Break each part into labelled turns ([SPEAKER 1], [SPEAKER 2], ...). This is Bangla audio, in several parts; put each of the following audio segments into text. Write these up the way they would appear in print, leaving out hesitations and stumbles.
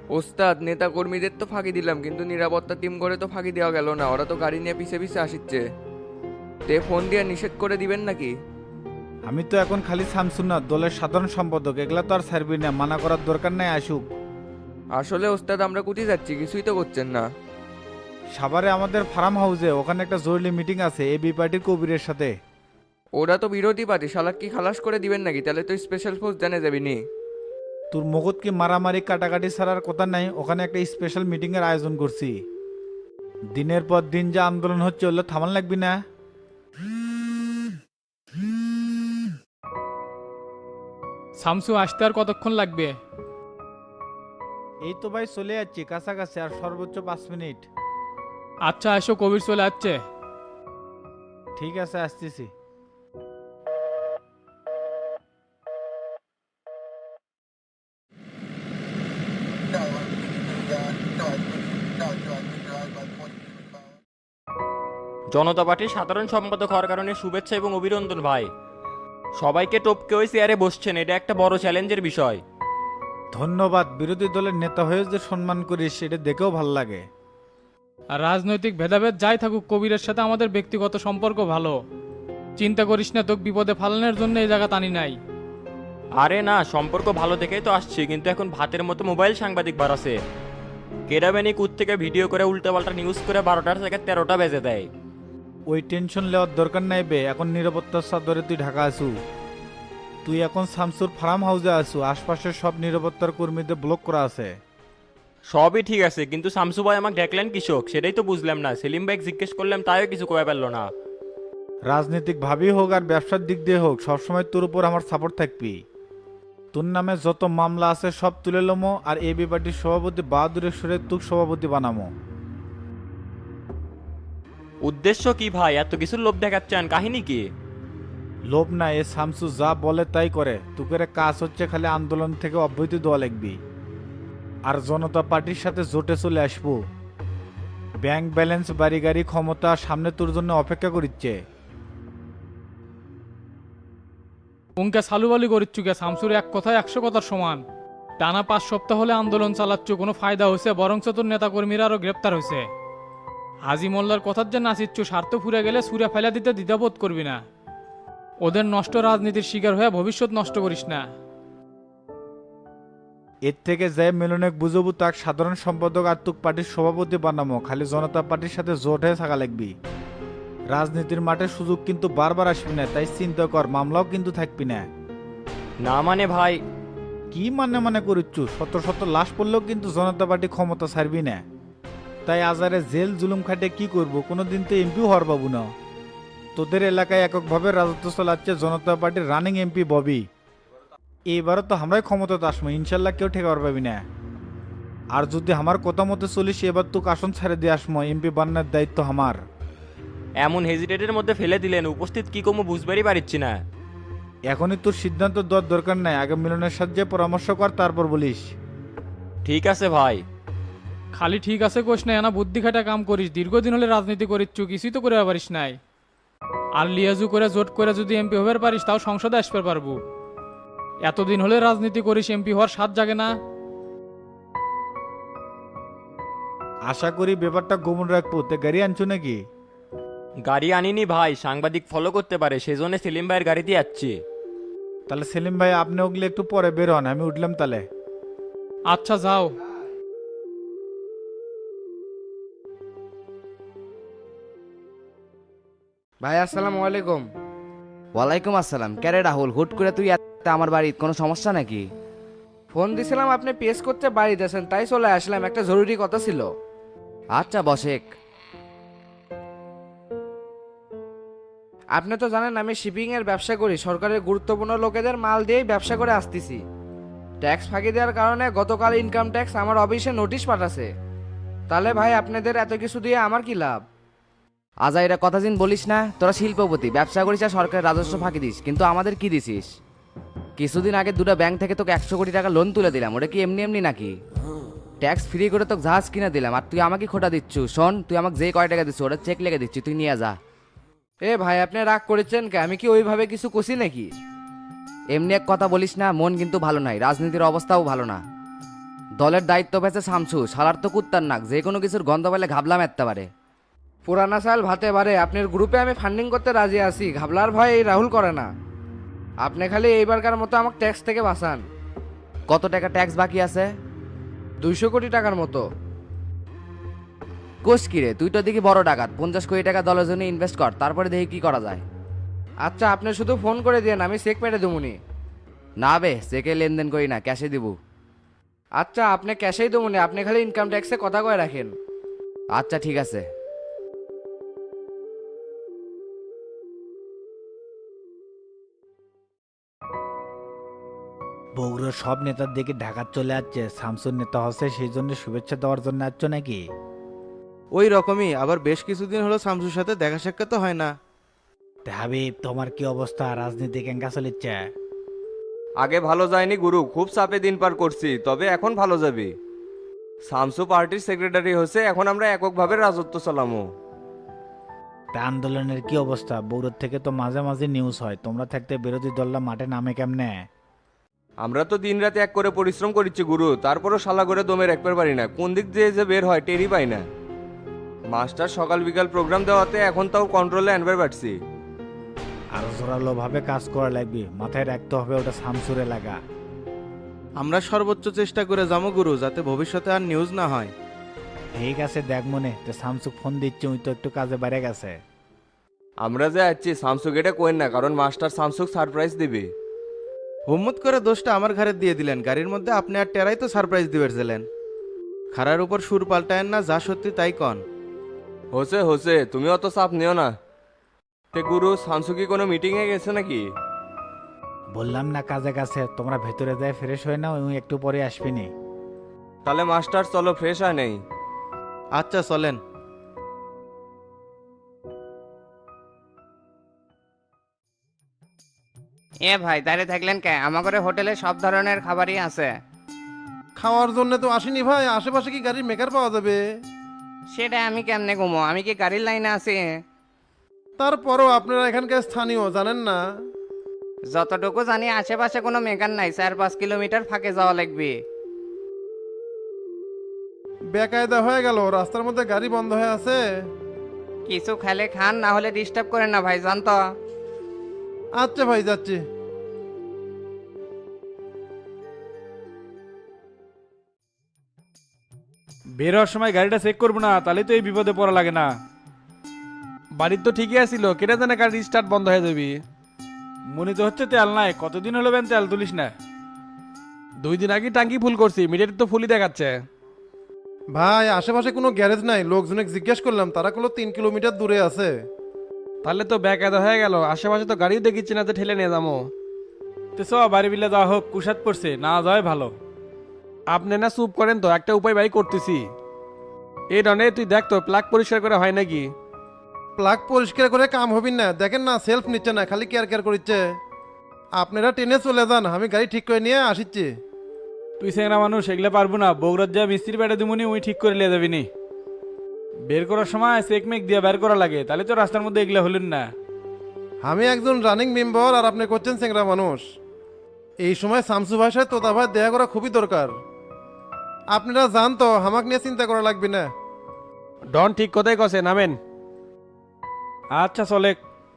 [SPEAKER 1] ওস্তাদ, নেতা কর্মীদের তো ফাঁকি দিলাম, কিন্তু নিরাপত্তা টিম করে তো ফাঁকি দেওয়া গেল না। ওরা তো গাড়ি নিয়ে পিছে পিছে আসিচ্ছে। তে ফোন দিয়ে নিষেধ করে দিবেন নাকি?
[SPEAKER 2] আমি তো এখন খালি শামসুন না, দলের সাধারণ সম্পাদক, এগুলা তো আর ছাড়বি না, মানা করার দরকার নাই, আসুক।
[SPEAKER 1] আসলে ওস্তাদ, আমরা কোথায় যাচ্ছি কিছুই তো করছেন না।
[SPEAKER 2] সাভারে আমাদের ফার্ম হাউসে, ওখানে একটা জরুরি মিটিং আছে এবি পার্টির কবিরের সাথে।
[SPEAKER 1] ওরা তো বিরোধী পার্টি, শালাক কি খালাস করে দিবেন নাকি? তাহলে তো স্পেশাল ফোর্স জানে যাবি নি।
[SPEAKER 2] তোর মগত কি মারামারি কাটাকাটি ছাড়ার কথা নাই? ওখানে একটা স্পেশাল মিটিং এর আয়োজন করছি। দিনের পর দিন যা আন্দোলন হচ্ছে, ওগুলো থামান লাগবি না।
[SPEAKER 3] শামসু আসতে আর কতক্ষণ লাগবে?
[SPEAKER 2] এই তো ভাই চলে যাচ্ছি কাছাকাছি, আর সর্বোচ্চ 5 মিনিট।
[SPEAKER 3] আচ্ছা, এসো, কবির চলে আসছে।
[SPEAKER 2] ঠিক আছে, আসতেছি।
[SPEAKER 4] জনতা পার্টির সাধারণ সম্পাদক হওয়ার কারণে শুভেচ্ছা এবং অভিনন্দন ভাই। সবাইকে টপকে ওই চেয়ারে বসছেন, এটা একটা বড় চ্যালেঞ্জের বিষয়।
[SPEAKER 2] ধন্যবাদ। বিরোধী দলের নেতা হয়ে যে সম্মান করিস, সেটা দেখেও ভাল লাগে।
[SPEAKER 3] আর রাজনৈতিক ভেদাভেদ যাই থাকুক, কবিরের সাথে আমাদের ব্যক্তিগত সম্পর্ক ভালো। চিন্তা করিস না, তোকে বিপদে ফালানোর জন্য এই জায়গা টানি নাই।
[SPEAKER 4] আরে না, সম্পর্ক ভালো দেখেই তো আসছে, কিন্তু এখন ভাতের মতো মোবাইল সাংবাদিক বাড়াছে। কেরাবেনি কুত থেকে ভিডিও করে উল্টাপাল্টা নিউজ করে 12টার থেকে 13টা বেজে দেয়।
[SPEAKER 2] ওই টেনশন নেওয়ার দরকার নাই বে, এখন নিরাপত্তার চাদরে তুই ঢাকা আসু। তুই এখন শামসুর ফার্ম হাউসে আসু, আশপাশের সব নিরাপত্তার কর্মীদের ব্লক করা আছে।
[SPEAKER 4] সবই ঠিক আছে, কিন্তু শামসু ভাই আমাকে দেখলেন কৃষক, সেটাই তো বুঝলাম না। সেলিম ভাই জিজ্ঞেস করলাম, তাইও কিছু কয়ে পারলো না।
[SPEAKER 2] রাজনীতিক ভাবেই হোক আর ব্যবসার দিক দিয়ে হোক, সবসময় তোর উপর আমার সাপোর্ট থাকবি। তোর নামে যত মামলা আছে সব তুলে লমো, আর এবি পার্টির সভাপতি বাহাদুরের সুরে তুক সভাপতি বানামো।
[SPEAKER 4] উদ্দেশ্য কি ভাই? এত কিছু লোভ দেখাচ্ছেন, কাহিনী কি?
[SPEAKER 2] লোভ না, এ শামসু যা বলে তাই করে। তুকের কাজ হচ্ছে খালি আন্দোলন থেকে অব্যাহতি দেওয়া লাগবি, আর জনতা পার্টির সাথে জোটে চলে আসবো। ব্যাংক ব্যালেন্স, বাড়ি গাড়ি, ক্ষমতা সামনে তোর জন্য অপেক্ষা করিচ্ছে।
[SPEAKER 3] উনকে সালুবালি করিচ্ছু কে? শামসুর এক কথায় 100 কথার সমান। টানা 5 সপ্তাহ হলে আন্দোলন চালাচ্ছ, কোনো ফায়দা হয়েছে? বরঞ্চ তোর নেতাকর্মীরা আরো গ্রেপ্তার হয়েছে। হাজি মোল্লার কথার যে নাচিচ্ছু, স্বার্থ ফুরে গেলে সুরে ফেলা দিতে দ্বিধাবোধ করবি না। ওদের নষ্ট রাজনীতির শিকার হয়ে ভবিষ্যৎ নষ্ট করিস না।
[SPEAKER 2] এর থেকে যে মিলনে বুঝবো, তাক সাধারণ সম্পাদক আর তুক পার্টির সভাপতি বানামো। খালি জনতা পার্টির সাথে জোট হয়ে থাকা লাগবি। রাজনীতির মাঠে সুযোগ কিন্তু বারবার আসবি না, তাই চিন্তা কর, মামলাও কিন্তু থাকবি না।
[SPEAKER 4] না মানে ভাই?
[SPEAKER 2] কি মানে করিচ্ছু? শত শত লাশ পড়লেও কিন্তু জনতা পার্টি ক্ষমতা ছাড়বি না। তাই আজারে জেল জুলুম খাটে কি করব? কোনোদিন তো এমপিও হওয়ার পাবো না। তোদের এলাকায় এককভাবে রাজত্ব চালাচ্ছে জনতা পার্টির রানিং এমপি ববি। এইবারও তো আমরাই ক্ষমতাতে আসবো, ইনশাল্লাহ কেউ ঠেকাবার পাবি না। আর যদি আমার কথা মতো চলিস, এবার তো আসন ছেড়ে দিয়ে আসবো, এমপি বান্নার দায়িত্ব আমার।
[SPEAKER 4] এমন হেজিটেটের মধ্যে ফেলে দিলেন, উপস্থিত কি কমু বুঝবারই পারছি না।
[SPEAKER 2] এখনই তোর সিদ্ধান্ত দেওয়ার দরকার নাই, আগে মিলনের সাথে পরামর্শ কর, তারপর বলিস।
[SPEAKER 4] ঠিক আছে ভাই।
[SPEAKER 3] খালি ঠিক আছে কোষ না, এনা বুদ্ধি খাটা কাম করিস। দীর্ঘদিন হলে রাজনীতি করিচ্ছু, কিছুই তো করে পারিস নাই। আর লিয়াজু করে জোট করে যদি এমপি হবার পারিস, তাও সংসদে আসতে পারবো। এতদিন হলে রাজনীতি করিস, এমপি হওয়ার স্বাদ জাগে না?
[SPEAKER 2] আশা করি ব্যাপারটা গোপন রাখবো। তে গাড়ি আনছো নাকি?
[SPEAKER 4] গাড়ি আনিনি ভাই, সাংবাদিক ফলো করতে পারে, সেজন্য সেলিম ভাইয়ের গাড়িতে যাচ্ছি।
[SPEAKER 2] তাহলে সেলিম ভাই, আপনি ওগুলো একটু পরে বের হন, আমি উঠলাম তাহলে।
[SPEAKER 3] আচ্ছা, যাও।
[SPEAKER 5] ভাই আসসালামু আলাইকুম।
[SPEAKER 6] ওয়ালাইকুম আসসালাম। ক্যারে রাহুল, হুট করে তুই আমার বাড়ির কোনো সমস্যা নাকি?
[SPEAKER 5] ফোন দিছিলাম, আপনি পেস করতে বাড়িতে আছেন, তাই চলে আসলাম, একটা জরুরি কথা ছিল।
[SPEAKER 6] আচ্ছা বসেক।
[SPEAKER 5] আপনি তো জানেন আমি শিপিং এর ব্যবসা করি, সরকারের গুরুত্বপূর্ণ লোকেদের মাল দিয়েই ব্যবসা করে আসতেছি। ট্যাক্স ফাঁকি দেওয়ার কারণে গতকাল ইনকাম ট্যাক্স আমার অফিসে নোটিশ পাঠাছে। তাহলে ভাই আপনাদের এত কিছু দিয়ে আমার কি লাভ?
[SPEAKER 6] আজাইরা কথা দিন বলিস না। তোরা শিল্পপতি, ব্যবসা করিস আর সরকারের রাজস্ব ফাঁকি দিস, কিন্তু আমাদের কি দিছিস? কিছুদিন আগে দুটো ব্যাংক থেকে তোকে 100 কোটি টাকা লোন তুলে দিলাম, ওটা কি এমনি এমনি নাকি? ট্যাক্স ফ্রি করে তোকে জাহাজ কিনে দিলাম, আর তুই আমাকে খোটা দিচ্ছু। শোন, তুই আমাকে যে কয় টাকা দিচ্ছ, ওটা চেক লিখে দিচ্ছি, তুই নিয়ে যা।
[SPEAKER 5] এ ভাই, আপনি রাগ করেছেন কে? আমি কি ওইভাবে কিছু কষি নাকি?
[SPEAKER 6] এমনি এক কথা বলিস না, মন কিন্তু ভালো নাই, রাজনীতির অবস্থাও ভালো না। দলের দায়িত্ব পেয়েছে শামসু, শালার তো কুত্তার নাক, যে কোনো কিছুর গন্ধ পেলে ঘাবলা মারতে পারে।
[SPEAKER 5] পুরানা চাল ভাতে বারে, আপনার গ্রুপে আমি ফান্ডিং করতে রাজি আছি, ঘাবলার ভয় এই রাহুল করে না। আপনি খালি এইবারকার মতো আমাকে ট্যাক্স থেকে বাঁচান।
[SPEAKER 6] কত টাকা ট্যাক্স বাকি আছে?
[SPEAKER 5] 200 কোটি টাকার মতো।
[SPEAKER 6] কোষ কিরে, তুই তো দেখি বড় ডাকাত, 50 কোটি টাকা দলের জন্য ইনভেস্ট কর, তারপরে দেখি কি করা যায়।
[SPEAKER 5] আচ্ছা আপনি শুধু ফোন করে দিন, আমি চেক মেরে দেবুনি।
[SPEAKER 6] না বে, চেকে লেনদেন করি না, ক্যাশে দিব।
[SPEAKER 5] আচ্ছা আপনি ক্যাশেই দেবুনি, আপনি খালি ইনকাম ট্যাক্সে কথা কয়ে রাখেন।
[SPEAKER 6] আচ্ছা ঠিক আছে।
[SPEAKER 2] বগুড়ার সব নেতার দিকে ঢাকা চলে যাচ্ছে, শামসুর নেতা হচ্ছে সেই জন্য শুভেচ্ছা দেওয়ার জন্য আসছ নাকি?
[SPEAKER 7] ওই রকমই, আবার বেশ কিছুদিন হলো শামসুর সাথে দেখা সাক্ষাৎ তো হয় না।
[SPEAKER 2] তে হাবিব, তোমার কি অবস্থা? রাজনীতি কেঙ্কা চলিচ্ছে?
[SPEAKER 1] আগে ভালো যায়নি গুরু, খুব চাপে দিন পার করছি, তবে এখন ভালো যাবে। শামসু পার্টির সেক্রেটারি হয়েছে, এখন আমরা এককভাবে রাজত্ব চালামো।
[SPEAKER 2] তা আন্দোলনের কি অবস্থা? বগুড়ার থেকে তো মাঝে মাঝে নিউজ হয়, তোমরা থাকতে বিরোধী দলরা মাঠে নামে কেমনে?
[SPEAKER 1] আমরা তো দিন রাতে এক করে পরিশ্রম করিচ্ছি গুরু, তারপরও শালা করে দমে রাখতে পারি না, কোন দিক দিয়ে যে বের হয় টেরই পাই না। মাস্টার সকাল বিকাল প্রোগ্রাম দেওয়াতে এখন তাও কন্ট্রোলে আনবার পারছি।
[SPEAKER 2] আরো জোরালো ভাবে কাজ করা লাগবে, মাথায় রাখতে হবে ওটা শামসুর এলাকা।
[SPEAKER 7] আমরা সর্বোচ্চ চেষ্টা করে যাবো গুরু, যাতে ভবিষ্যতে আর নিউজ না হয়।
[SPEAKER 2] ঠিক আছে, দেখ মনে তো শামসুক ফোন দিচ্ছে, ওই তো একটু কাজে বাইরে গেছে।
[SPEAKER 1] আমরা যে আছি শামসুক এটা কোয়েন না, কারণ মাস্টার শামসুক সারপ্রাইজ দিবে।
[SPEAKER 7] হুম্মত করে দোষটা আমার ঘাড়ে দিয়ে দিলেন, গাড়ির মধ্যে আপনি আর টেরাই তো সারপ্রাইজ দিবেছিলেন। খারার উপর সুর পাল্টায়েন না, যা সত্যি তাই কন।
[SPEAKER 1] হোসে হোসে, তুমি অত চাপ নিও না। তে গুরু, শামসু কি কোনো মিটিংয়ে গেছে নাকি?
[SPEAKER 2] বললাম না কাজে গেছে, তোমরা ভেতরে যায় ফ্রেশ হয়ে নাও, ওই একটু পরে আসবিনি।
[SPEAKER 1] তাহলে মাস্টার চলো, ফ্রেশ হয় নেই।
[SPEAKER 7] আচ্ছা চলেন।
[SPEAKER 8] এ ভাই দাঁড়িয়ে থাকলেন কে? আমাদের হোটেলে সব ধরনের খাবারই আছে।
[SPEAKER 9] খাওয়ার জন্য তো আসিনি ভাই, আশেপাশে কি গাড়ির মেকার পাওয়া যাবে?
[SPEAKER 8] সেটা আমি কেমনে ঘুমো, আমি কি গাড়ির লাইনে আছি?
[SPEAKER 9] তারপরও আপনারা এখানকার স্থানীয়, জানেন না?
[SPEAKER 8] যতটুকু জানি আশেপাশে কোনো মেকার নাই, 4-5 কিলোমিটার ফাঁকে যাওয়া লাগবে।
[SPEAKER 9] বেকায়দা হয়ে গেল, রাস্তার মধ্যে গাড়ি বন্ধ হয়ে আছে।
[SPEAKER 8] কিছু খেলে খান, না হলে ডিস্টার্ব করেন না ভাই, জান তো।
[SPEAKER 9] আচ্ছা ভাই, যাচ্ছি।
[SPEAKER 3] বের হওয়ার সময় গাড়িটা চেক করবো না, তাহলে তো এই বিপদে পড়া লাগে না। বাড়ির তো ঠিকই আছিল, কেটে জানে গাড়ি স্টার্ট বন্ধ হয়ে যাবি। মনে তো হচ্ছে তেল নাই, কতদিন হলো বেন তেল তুলিস না। 2 দিন আগে টাঙ্কি ফুল করছি, মিটার তো ফুলই দেখাচ্ছে।
[SPEAKER 9] ভাই আশেপাশে কোনো গ্যারেজ নাই, লোকজনকে জিজ্ঞেস করলাম, তারা কোনো 3 কিলোমিটার দূরে আছে।
[SPEAKER 3] তাহলে তো বেকায়দা হয়ে গেল, আশেপাশে তো গাড়িও দেখিচ্ছি না যে ঠেলে নিয়ে যাবো। তো চ বাড়ি বিলে যাওয়া হোক, কুশাদ পড়ছে, না যাওয়াই ভালো। আপনি না চুপ করেন তো, একটা উপায় বাই করতেছি। এই রনে তুই দেখ তো প্লাগ পরিষ্কার করে হয় নাকি।
[SPEAKER 9] প্লাগ পরিষ্কার করে কাম হবি না, দেখেন না সেলফ নিচ্ছে না, খালি কেয়ার কেয়ার করছে। আপনারা ট্রেনে চলে যান, আমি গাড়ি ঠিক করে নিয়ে আসিচ্ছি।
[SPEAKER 3] তুই সেংরা মানুষ, এগুলো পারবো না। বগুড়ার যা মিস্ত্রি বেড়ে দিবনি, উই ঠিক করে নিয়ে যাবি নি। বের করার সময় চেক মেক দিয়ে বের করা লাগে, তাহলে তো রাস্তার মধ্যে এগুলো হলেন না।
[SPEAKER 9] আমি একজন রানিং মেম্বার, আর আপনি করছেন চেংরা মানুষ। এই সময় শামসু ভাষায় তোতা ভাই দেখা করা খুবই দরকার। আপনারা জান তো, আমাকে নিয়ে চিন্তা করা লাগবে না।
[SPEAKER 3] ডন ঠিক কথাই কছে, নামেন। আচ্ছা চলে।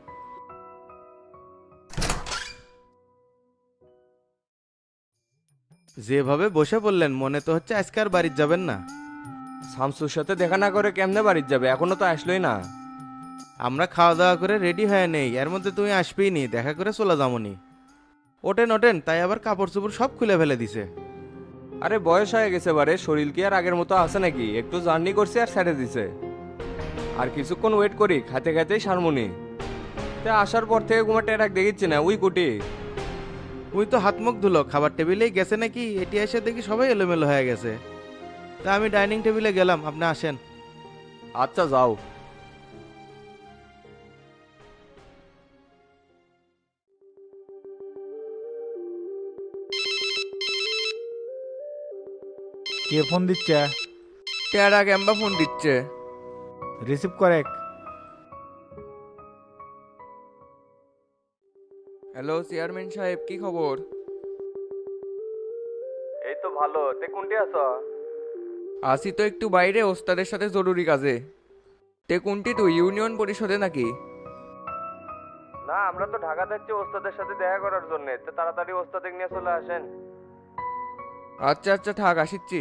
[SPEAKER 7] যেভাবে বসে পড়লেন, মনে তো হচ্ছে আজকে আর বাড়ির যাবেন না।
[SPEAKER 1] শামসুর সাথে দেখা না করে কেমনে বাড়ির যাবে, এখনো তো আসলোই না।
[SPEAKER 7] আমরা খাওয়া দাওয়া করে রেডি হয়ে নেই, এর মধ্যে তুমি আসবেই নি, দেখা করে চলে যাবনি। ওঠেন ওঠেন, তাই আবার কাপড় চোপড় সব খুলে ফেলে দিছে।
[SPEAKER 1] আরে বয়স হয়ে গেছে বারে, শরীর কি আর আগের মতো আছে নাকি? একটু জার্নি করছি আর ছেড়ে দিছে। আর কিছুক্ষণ ওয়েট করি, খাতে খাতেই সারমনি। তা আসার পর থেকে ঘুমাতে রাখ দেখিচ্ছি না, উই কুটি।
[SPEAKER 7] তুই তো হাত মুখ ধুলো, খাবার টেবিলেই গেছে নাকি? এটি এসে দেখি সবাই এলোমেলো হয়ে গেছে। তা আমি ডাইনিং টেবিলে গেলাম, আপনি আসেন।
[SPEAKER 1] আচ্ছা যাও।
[SPEAKER 2] কে ফোন দিচ্ছে?
[SPEAKER 1] টেরা ক্যাম্বা ফোন দিচ্ছে।
[SPEAKER 2] রিসিভ করে।
[SPEAKER 1] হ্যালো চেয়ারম্যান সাহেব, কি খবর? এই তো ভালো, তে কোনটি আছো?
[SPEAKER 10] আসি তো একটু বাইরে ওস্তাদের সাথে জরুরি কাজে। তে কোনটি তুই ইউনিয়ন পরিষদে নাকি?
[SPEAKER 1] না, আমরা তো ঢাকা যাচ্ছি ওস্তাদের সাথে দেখা করার জন্য, তো তাড়াতাড়ি ওস্তাদের নিয়ে চলে আসেন।
[SPEAKER 10] আচ্ছা আচ্ছা থাক, আসিচ্ছি।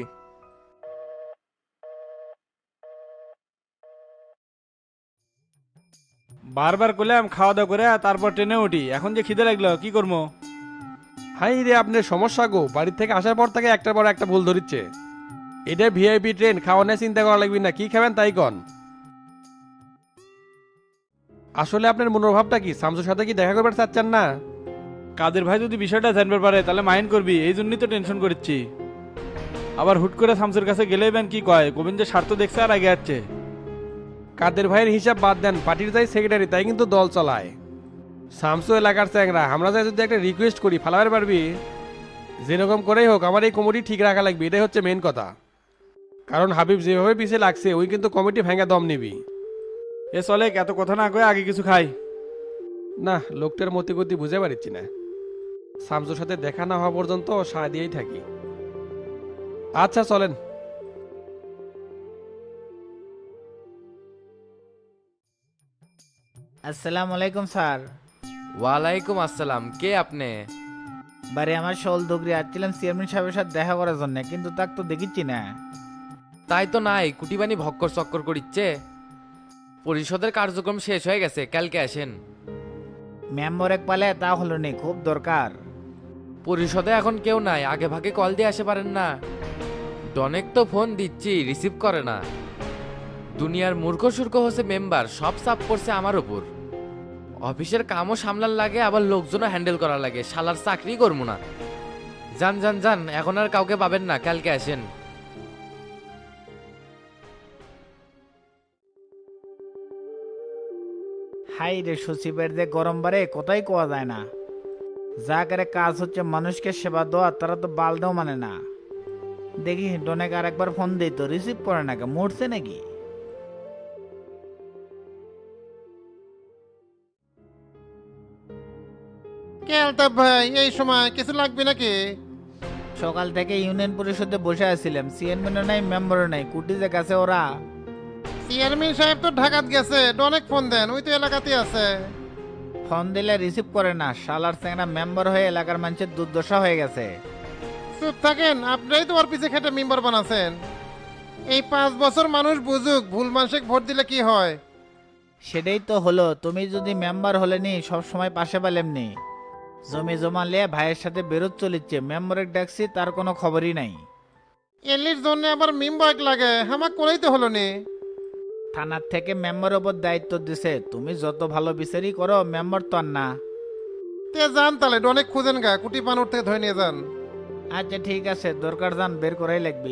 [SPEAKER 11] বারবার করলাম খাওয়া দাওয়া করে তারপর ট্রেনে উঠি, এখন যে খিদে লাগলো কি করবো?
[SPEAKER 12] হাই রে, আপনার সমস্যা গো, বাড়ির থেকে আসার পর থেকে একটার পর একটা ভুল ধরিচ্ছে। এটা ভিআইপি ট্রেন, খাওয়া নিয়ে চিন্তা করা লাগবে না, কি খাবেন তাই কন। আসলে আপনার মনোভাবটা কি? শামসুর সাথে কি দেখা করবার চাচ্ছেন না?
[SPEAKER 11] কাদের ভাই যদি বিষয়টা জানতে পারে তাহলে মাইন্ড করবি, এই জন্যই তো টেনশন করছি। আবার হুট করে শামসুর কাছে গেলেই ব্যান কি কয়, গোবিন্দের স্বার্থ দেখছে আর আগে যাচ্ছে।
[SPEAKER 12] কাদের ভাইয়ের হিসাব বাদ দেন, পার্টির যাই সেক্রেটারি তাই কিন্তু দল চালায়। শামসু এলাকার চ্যাংরা, আমরা যাই যদি একটা রিকোয়েস্ট করি ফালাবার পারবি? যেরকম করেই হোক আমার এই কমিটি ঠিক রাখা লাগবে, এটাই হচ্ছে মেন কথা। কারণ হাবিব যেভাবে পিছিয়ে লাগছে ওই কিন্তু কমিটি ভেঙে দম নিবি।
[SPEAKER 11] এ চলে, এত কথা না কয়ে আগে কিছু খাই।
[SPEAKER 12] না, লোকটার মতি গতি বুঝে পারছি না। শামসুর সাথে দেখা না হওয়া পর্যন্ত সায় দিয়েই থাকি। আচ্ছা চলেন।
[SPEAKER 2] আসসালামু আলাইকুম স্যার।
[SPEAKER 6] ওয়ালাইকুম আসসালাম, কে আপনি?
[SPEAKER 2] বারে আমার শোল দগরি আসছিলাম চেয়ারম্যান সাহেবের সাথে দেখা করার জন্য, কিন্তু তাক তো দেখিচ্ছি না।
[SPEAKER 6] তাই তো নাই, কুটিবানি ভক্কর চক্কর করিচ্ছে। পরিষদের কার্যক্রম শেষ হয়ে গেছে, কালকে আসেন।
[SPEAKER 2] মেম্বার এক পালে তা হলো নি, খুব দরকার।
[SPEAKER 6] পরিষদে এখন কেউ নাই, আগে ভাগে কল দিয়ে আসে পারেন না? অনেক তো ফোন দিচ্ছি, রিসিভ করে না। দুনিয়ার মূর্খ সূর্খ হচ্ছে মেম্বার, সব চাপ পড়ছে আমার উপর। অফিসের কামও সামলার লাগে, আবার লোকজনও হ্যান্ডেল করা লাগে, শালার চাকরি করবো না। যান যান যান, এখন আর কাউকে পাবেন না, কালকে আসেন।
[SPEAKER 2] হাই রে, সচিবের যে গরম বারে কোথায় কোয়া যায় না। যা করে কাজ হচ্ছে মানুষকে সেবা দেওয়া, তারা তো বালটাও মানে না। দেখি ডনেক আর একবার ফোন দিই তো রিসিভ করে না, কে মরছে নাকি?
[SPEAKER 9] কে আলতাফ ভাই, এই সময় কিছু লাগবে নাকি?
[SPEAKER 2] সকাল থেকে ইউনিয়ন পরিষদে বসে আছিলাম, চেয়ারম্যানও নাই মেম্বারও নাই, কুটি যে গেছে ওরা।
[SPEAKER 9] চেয়ারম্যান সাহেব তো ঢাকাত গেছে, অনেক ফোন দেন, ওই তো এলাকাতে আছে।
[SPEAKER 2] ফোন দিলে রিসিভ করে না, শালার চেংড়া মেম্বার হয়ে এলাকার মানুষের দুর্দশা হয়ে গেছে।
[SPEAKER 9] চুপ থাকেন, আপনারাই তো ওর পিছে খেটে মেম্বার বানাচ্ছেন। এই 5 বছর মানুষ বুঝুক, ভুল মানুষকে ভোট দিলে কি হয়।
[SPEAKER 2] সেটাই তো হলো, তুমি যদি মেম্বার হলে নি সব সময় পাশে পেলেমনি। জমি জমা লিয়ে ভাইয়ের সাথে বেরোত চলিচ্ছে, মেম্বারের ডাকছি তার কোনো খবরই নাই।
[SPEAKER 9] এলির জন্য আবার মেম্বার লাগে, আমার করেই তো হলো নি।
[SPEAKER 2] থানার থেকে মেম্বারের ওপর দায়িত্ব দিছে, তুমি যত ভালো বিচারই করো মেম্বার তো আর না।
[SPEAKER 9] তে যান তাহলে, অনেক খুঁজেন গা, কুটি পানোর থেকে ধরে নিয়ে যান।
[SPEAKER 2] আচ্ছা ঠিক আছে, দরকার যান বের করাই লাগবি।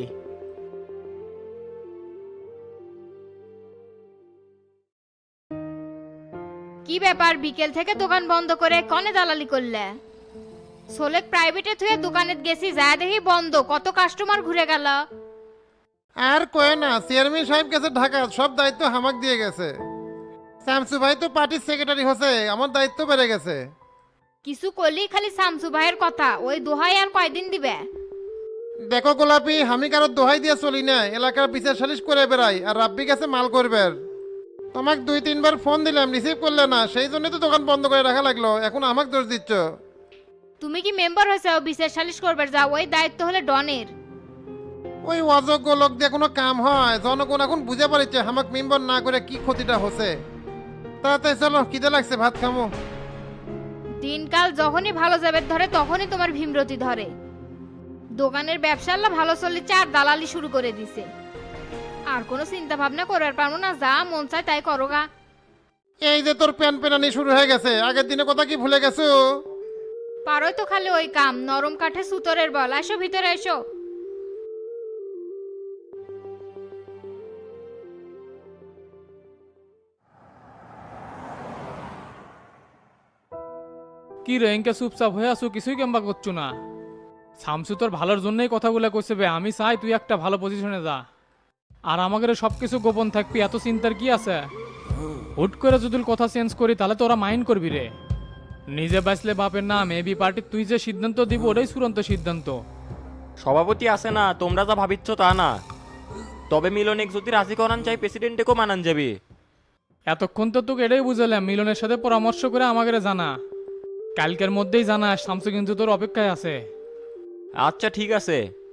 [SPEAKER 13] কি ব্যাপার, বিকেল থেকে দোকান বন্ধ করে কনে দালালি করলে? সোলেক প্রাইভেটে থুয়ে দোকানে গেছি, যা দেখি বন্ধ, কত কাস্টমার ঘুরে গেল।
[SPEAKER 9] আর কয়ে না, চেয়ারম্যান সাহেব গেছে ঢাকা, সব দায়িত্ব হামাক দিয়ে গেছে। শামসু ভাই তো পার্টির সেক্রেটারি হচ্ছে, আমার দায়িত্ব বেড়ে গেছে।
[SPEAKER 13] কিছু করলি খালি শামসু ভাইয়ের কথা, ওই দোহাই আর কয়দিন দিবে?
[SPEAKER 9] দেখো গোলাপি, আমি কারোর দোহাই দিয়ে চলি না, এলাকার বিচার সালিশ করে বেড়াই, আর রাব্বি গেছে মাল করবে। তোমাকে 2-3 বার ফোন দিলাম, রিসিভ করলে না, সেই জন্য তো দোকান বন্ধ করে রাখা লাগলো। এখন আমাকে দোষ দিচ্ছ।
[SPEAKER 13] তুমি কি মেম্বার হয়েছে বিচার সালিশ করবে? যাও, ওই দায়িত্ব হলে ডনের।
[SPEAKER 9] ওই অযোগ্য লোক দিয়ে কোনো কাম হয়? জনগণ এখন বুঝে পারিচ্ছে আমাকে মেম্বার না করে কি ক্ষতিটা হচ্ছে। তাড়াতাড়ি চলো, খিদে লাগছে, ভাত খামো।
[SPEAKER 13] দিনকাল যখনই ভালো যাবে ধরে তখনই তোমার ভীমরতি ধরে। দোকানের ব্যবসা আল্লাহ ভালো চলিচ্ছে আর দালালি শুরু করে দিছে। আর কোনো চিন্তা ভাবনা করার পারবো না, যা মন চায় তাই করো গা।
[SPEAKER 9] এই যে তোর প্যান পেনানি শুরু হয়ে গেছে, আগের দিনে কথা কি ভুলে গেছো?
[SPEAKER 13] পারোই তো খালি ওই কাম, নরম কাঠে সুতরের বল। আসো ভিতরে এসো।
[SPEAKER 3] কি রে, এনকে চুপচাপ হয়ে আসো, কিছুই কেমবা করছো না? শামসু তোর ভালোর জন্যই কথাগুলো কইছে বে, আমি চাই তুই একটা ভালো পজিশনে যা। আর আমাদের সবকিছু গোপন থাকবি, এত চিন্তার কি আছে? হুট করে যদি কথা চেঞ্জ করি তাহলে তো ওরা মাইন্ড করবি রে। নিজে বাঁচলে বাপের নাম, এবি পার্টি তুই যে সিদ্ধান্ত দিব ওটাই চূড়ান্ত সিদ্ধান্ত।
[SPEAKER 4] সভাপতি আছে না, তোমরা যা ভাবিচ্ছ তা না। তবে মিলনিক যদি রাজি করান চাই প্রেসিডেন্টকেও মানান যাবে।
[SPEAKER 3] এতক্ষণ তো তোকে এটাই বুঝালাম, মিলনের সাথে পরামর্শ করে আমাকে জানা। কালকের মধ্যেই জানা, শামসু কিন্তু তোর অপেক্ষায় আছে।
[SPEAKER 4] আচ্ছা ঠিক আছে।